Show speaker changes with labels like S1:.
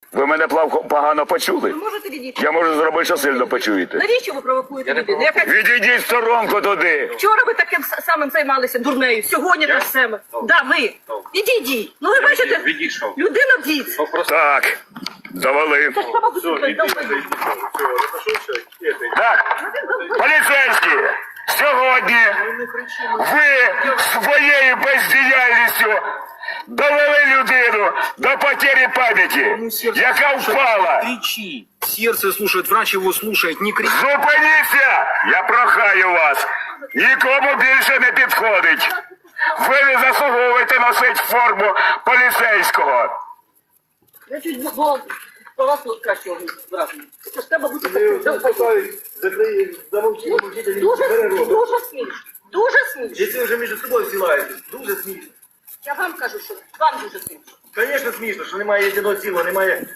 S1: Ви мене погано почули?
S2: Ви можете відійти?
S1: Я можу зробити, що сильно почуєте.
S2: Навіщо ви провокуєте людину?
S1: Відійдіть в сторонку туди.
S2: Вчора ви таким самим займалися дурнею, сьогодні те ж саме. Да, ви. Відійдіть. Ну ви бачите,
S3: Відійшов.
S2: людина дід.
S1: Так, завали.
S2: Це ж треба бути довбойом.
S1: Так, поліцейські, сьогодні ви своєю бездіяльністю довели людину до потери пам'яті, яка впала.
S3: Кричи. Сердце слушает, врач его слушает, не кричи.
S1: Зупиніться! Я прохаю вас. Нікому більше не підходить. Ви не заслуговуєте носити форму поліцейського.
S2: Я чуть було по вас кращого враження. Це ж треба бути таким довбойом. Дуже смішно. Дуже смішно.
S4: Якщо ви вже між собою зсилаєтесь, дуже смішно.
S2: Я вам кажу, що вам дуже смішно.
S4: Звісно, смішно, що немає єдиного цілого, немає